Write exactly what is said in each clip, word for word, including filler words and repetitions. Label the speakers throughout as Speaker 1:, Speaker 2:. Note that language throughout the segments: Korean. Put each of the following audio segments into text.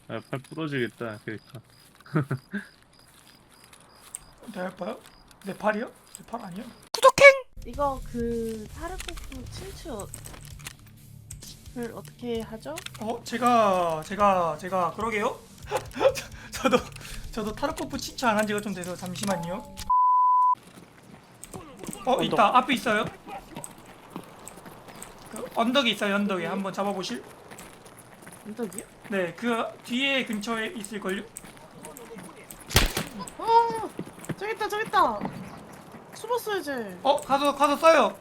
Speaker 1: 아, 팔 부러지겠다 그러니까.
Speaker 2: 내 팔요? 내 팔이요? 내 팔 아니야?
Speaker 3: 이거 그 타르코프 친추를 어떻게 하죠?
Speaker 2: 어 제가 제가 제가 그러게요? 저도 저도 타르코프 친추 안 한 지가 좀 돼서 잠시만요. 어 있다 앞에 있어요. 그 언덕에 있어요 언덕에 한번 잡아보실?
Speaker 3: 언덕이요?
Speaker 2: 네 그 뒤에 근처에 있을걸요?
Speaker 3: 어 저기 있다 저기 있다. 숨었어야지.
Speaker 2: 어 가서 가서 써요.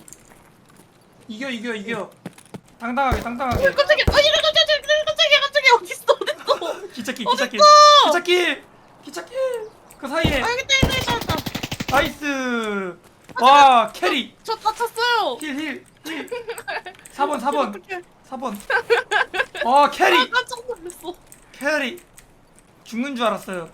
Speaker 2: 이겨 이겨 이겨. 당당하게 당당하게.
Speaker 3: 깜짝이야. 아니 깜짝이야 깜짝이야 깜짝이야 어디 있어 어디 있어?
Speaker 2: 기찻길 기찻길
Speaker 3: 어딨어?
Speaker 2: 기찻길 기찻길 그 사이에
Speaker 3: 아 여기 있다 여기 있다 여기 있다.
Speaker 2: 나이스. 와 캐리
Speaker 3: 저 다쳤어요.
Speaker 2: 힐힐힐 사 번 사 번
Speaker 3: 어떡해.
Speaker 2: 사 번 와 캐리
Speaker 3: 아 깜짝 놀랐어.
Speaker 2: 캐리 죽는 줄 알았어요.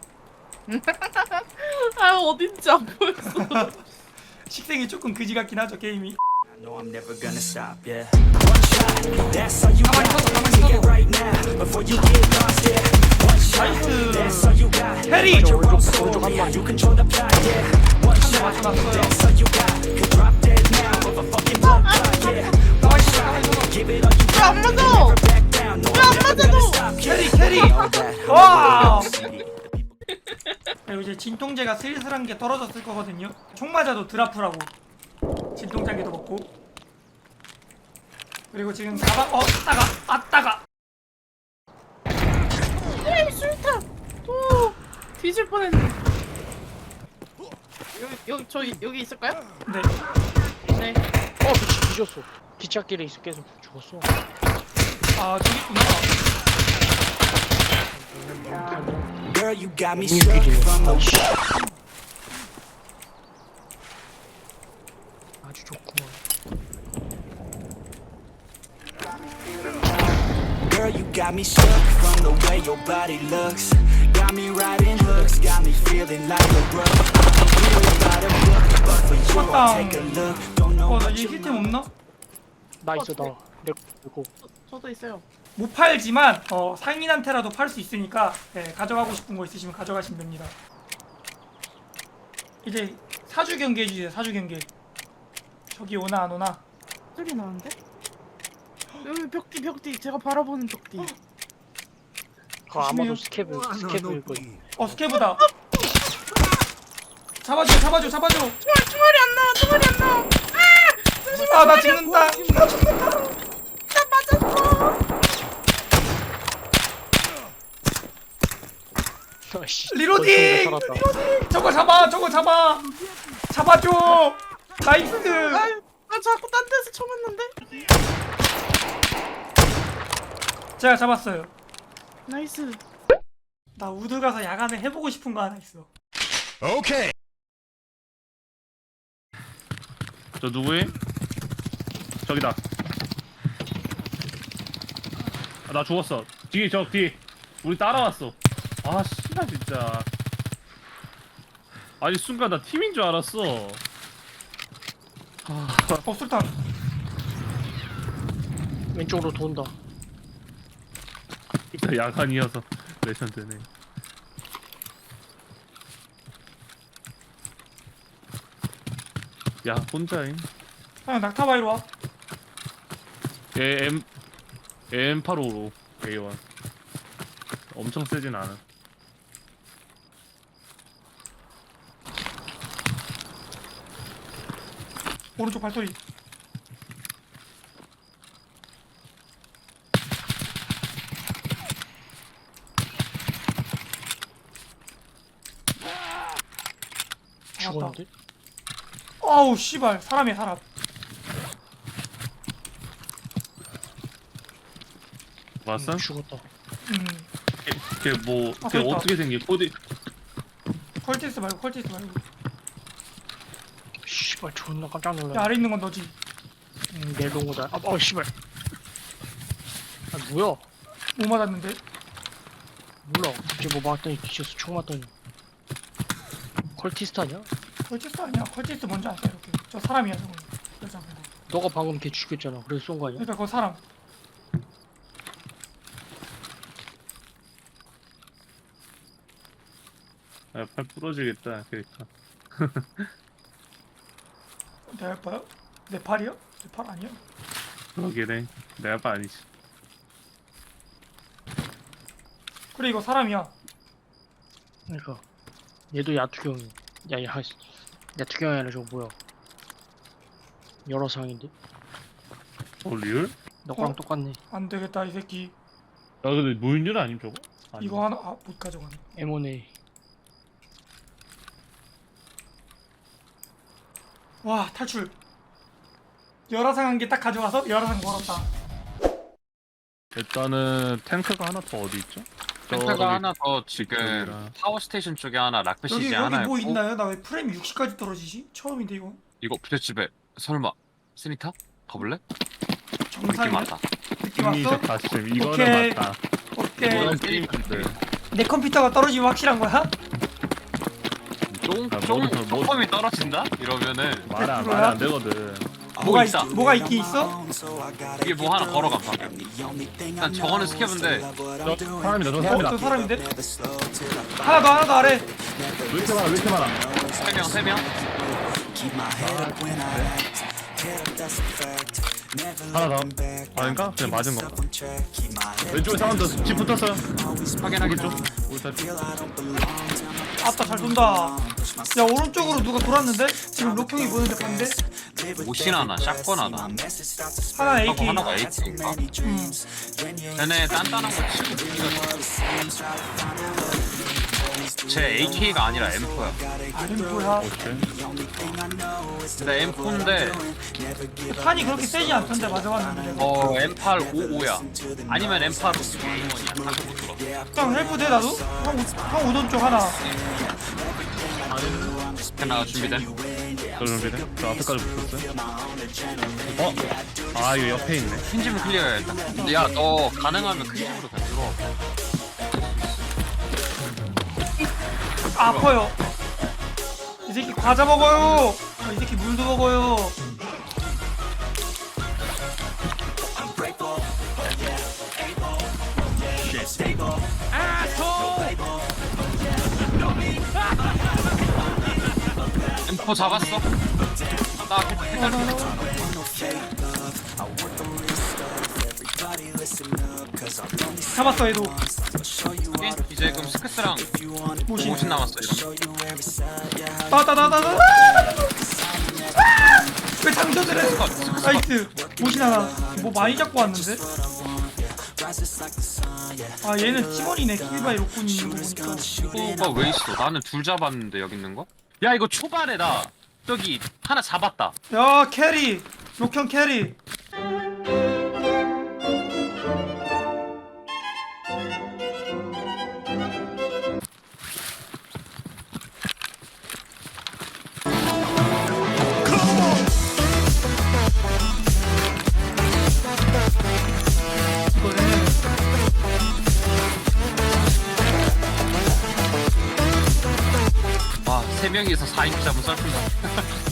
Speaker 3: 아 어딘지 안 보였어.
Speaker 2: 식생이 조금 그지 같긴 하죠 게임이.
Speaker 4: No, I'm never gonna stop, yeah. One shot, that's all you
Speaker 2: 가만히
Speaker 4: got.
Speaker 2: 서서 가만히
Speaker 4: Take it
Speaker 2: 서서.
Speaker 4: right now, before you get lost, yeah. One shot, that's all you got.
Speaker 2: 캐리
Speaker 4: Your own soul, yeah. You control the plot, yeah. One shot, that's all you got. Could drop dead now of a fucking blood clot, yeah. One shot, give it all you got.
Speaker 3: 안 맞아.
Speaker 4: Never back down. No, I'm never gonna stop,
Speaker 2: 캐리
Speaker 4: yeah.
Speaker 2: 캐리
Speaker 4: All that,
Speaker 2: 와.
Speaker 4: see.
Speaker 2: 그리고 이제 진통제가 슬슬한 게 떨어졌을 거거든요. 총 맞아도 드라프라고 진통제기도 먹고. 그리고 지금 가방 어 따가 아 따가
Speaker 3: 에이 술탄. 오 뒤질 뻔했네. 여기 여기 저 여기 있을까요?
Speaker 2: 네.
Speaker 3: 네.
Speaker 5: 어, 미치 뒤졌어. 기찻길에 있어 계속 죽었어.
Speaker 2: 아 저기 있구나.
Speaker 4: Girl, you got me struck from the
Speaker 5: 아주 좋구만.
Speaker 4: Girl, you got me struck from the way your body looks. Got me riding hooks, got me feeling like a rug. I'm real about a book, but for you, I'll take a look. Don't know
Speaker 2: 어나
Speaker 4: what
Speaker 2: 얘
Speaker 4: you
Speaker 2: 힐템 없나?
Speaker 5: 나 있어 나. 내 거.
Speaker 3: 저도 있어요.
Speaker 2: 못 팔지만 어 상인한테라도 팔 수 있으니까 네, 가져가고 싶은 거 있으시면 가져가시면 됩니다. 이제 사주 경계 해주세요. 사주 경계. 저기 오나 안 오나?
Speaker 3: 소리 나는데? 여기 벽뒤 벽뒤 제가 바라보는 벽뒤.
Speaker 5: 그 아마도
Speaker 2: 조심해요.
Speaker 5: 스케브 스케브일 거.
Speaker 2: 어 스케브다. 잡아줘 잡아줘 잡아줘.
Speaker 3: 총알 총알이 안 나와 총알이 안 나와.
Speaker 2: 아 나 죽는다. 나 죽는다.
Speaker 3: 나 맞았어.
Speaker 5: 아씨.
Speaker 2: 리로딩!
Speaker 5: 살았다.
Speaker 2: 리로딩! 저거 잡아! 저거 잡아! 잡아줘! 나이스!
Speaker 3: 아, 나 자꾸 딴 데서 쳐 맞는데?
Speaker 2: 제가 잡았어요.
Speaker 3: 나이스.
Speaker 2: 나 우드 가서 야간에 해보고 싶은 거 하나 있어.
Speaker 1: 저 누구임? 저기다. 아, 나 죽었어. 뒤에 저 뒤에 우리 따라왔어. 아 씨발 진짜. 아니 순간 나 팀인 줄 알았어.
Speaker 2: 어 술탄.
Speaker 5: 왼쪽으로 돈다.
Speaker 1: 진짜 야간이어서 레전드네. 야 혼자임.
Speaker 2: 형 낙타바이로 와.
Speaker 1: 얘 M 엠 팔십오 에이 원. 엄청 세진 않아.
Speaker 2: 오른쪽 발소리.
Speaker 5: 죽었는데?
Speaker 2: 아우 씨발 사람이야 사람.
Speaker 1: 봤어?
Speaker 5: 응, 죽었다.
Speaker 2: 음.
Speaker 1: 걔뭐
Speaker 2: 아,
Speaker 1: 걔
Speaker 2: 그러니까.
Speaker 1: 어떻게 생긴 코디?
Speaker 2: 컬티스 말고 컬티스 말고.
Speaker 5: 씨발 존나 깜짝
Speaker 2: 야
Speaker 5: 놀랐네.
Speaker 2: 아래 있는 건 너지.
Speaker 5: 음, 내려온 거다. 아, 어 씨발. 아 뭐야?
Speaker 2: 못 맞았는데.
Speaker 5: 몰라. 갑자기 뭐 맞더니 뒤졌어. 총 맞더니. 컬티스트 아니야?
Speaker 2: 컬티스 아니야. 컬티스 뭔지 아세요? 이렇게. 저 사람이야 저거. 여자 말고.
Speaker 5: 너가 방금 걔 죽였잖아. 그래서 쏜 거 아니야?
Speaker 2: 그러니까 그 사람.
Speaker 1: 야, 팔 부러지겠다 캐릭터.
Speaker 2: 내 알바요? 내 팔이요? 내 팔 아니야?
Speaker 1: 그러기래. 내 아빠 아니지.
Speaker 2: 그래 이거 사람이야.
Speaker 5: 그러니까 얘도 야투경이. 야, 야, 야투경이 아니라 저거 뭐야? 여러 상인데?
Speaker 1: 어 리얼?
Speaker 5: 너랑
Speaker 2: 어?
Speaker 5: 똑같네.
Speaker 2: 안 되겠다 이 새끼.
Speaker 1: 야 근데 무인율 아님 저거? 아니.
Speaker 2: 이거 하나 아, 못 가져가네.
Speaker 5: 엠 원 에이.
Speaker 2: 와 탈출. 열화상 한 개 딱 가져와서 열화상 걸었다.
Speaker 1: 일단은 탱크가 하나 더 어디 있죠? 저기
Speaker 6: 탱크가 하나 더 지금
Speaker 1: 저기랑.
Speaker 6: 파워 스테이션 쪽에 하나,
Speaker 2: 여기
Speaker 6: 락베시지
Speaker 2: 여기
Speaker 6: 하나
Speaker 2: 뭐
Speaker 6: 있고.
Speaker 2: 있나요? 나 왜 프레임이 육십까지 떨어지지? 처음인데 이거.
Speaker 6: 이거 부잣집에 설마 스니타? 가볼래? 느낌
Speaker 2: 정상이야?
Speaker 6: 왔다.
Speaker 2: 느낌 왔어?
Speaker 1: 이미적 가심 이거는
Speaker 2: 오케이.
Speaker 1: 맞다.
Speaker 2: 오케이.
Speaker 1: 이건 게임인데.
Speaker 2: 내 컴퓨터가 떨어지면 확실한 거야?
Speaker 6: 조금
Speaker 1: 아,
Speaker 6: 조금
Speaker 1: 뭐- 뭐-
Speaker 6: 퍼폼이 떨어진다? 이러면은
Speaker 1: 말안
Speaker 2: 그거야?
Speaker 1: 말안 되거든.
Speaker 2: 뭐가
Speaker 6: 있다.
Speaker 2: 있, 뭐가 있긴 있어?
Speaker 6: 이게 뭐 하나 걸어가 방금. 일단 저거는 스캡인데
Speaker 1: 저 사람이다 저
Speaker 2: 어,
Speaker 1: 사람이다.
Speaker 2: 저 사람인데? 하나 더 하나 더 아래.
Speaker 1: 왜 이렇게 많아 왜 이렇게 많아?
Speaker 6: 세 명 세 명.
Speaker 1: 하나 더. 아닌가? 그냥 맞은 거. 왼쪽에 사람들 집 붙었어요.
Speaker 6: 확인하기
Speaker 1: 오른쪽.
Speaker 6: 좀.
Speaker 1: 오른쪽.
Speaker 2: 아따 잘 돈다. 야 오른쪽으로 누가 돌았는데? 지금 로평이 보는데 봤는데?
Speaker 6: 오신 하나, 샷건 하나.
Speaker 2: 하나
Speaker 6: 하고
Speaker 2: 에이케이.
Speaker 6: 하나가 에이트인가?
Speaker 2: 음.
Speaker 6: 쟤네 단단한 거 치고 우리가 제 에이케이가 아니라 엠 포야.
Speaker 2: 아니 뭐야?
Speaker 1: 오케이.
Speaker 6: 근데 엠 포인데
Speaker 2: 탄이 그렇게 세지 않던데 맞아봤는데.
Speaker 6: 어 엠 팔 오십오야. 아니면 엠 팔 오십일이야. 방금 못 들어.
Speaker 2: 형 헬프 돼 나도? 형, 우- 형 우돈 쪽 하나.
Speaker 6: 하나가 준비돼.
Speaker 1: 저 준비돼? 저 앞에까지 붙었어요. 어? 아 이거 옆에 있네.
Speaker 6: 큰 집은 클리어해야겠다. 야 너 가능하면 큰 집으로 그냥 들어와.
Speaker 2: 아, 아파요. 이 새끼 과자 먹어요. 아, 이 새끼 물도 먹어요.
Speaker 6: 엠 포 잡았어. 나
Speaker 2: 잡았어 얘도.
Speaker 6: 확인. 이제 그럼 스크스랑
Speaker 2: 모신.
Speaker 6: 오십 남았어 이러면.
Speaker 2: 나왔다 나왔다 나왔다. 왜 장전을 해? 나이스. 모신 하나. 뭐 많이 잡고 왔는데? 아 얘는 팀원이네. 킬바이 로꾼이 있는 거 보니까.
Speaker 6: 포가 왜 있어? 나는 둘 잡았는데 여기 있는 거? 야 이거 초반에 나 저기 하나 잡았다.
Speaker 2: 야 캐리. 록형 캐리. 이거는
Speaker 6: 와 세 명이서 사 인치 잡은 썰풀.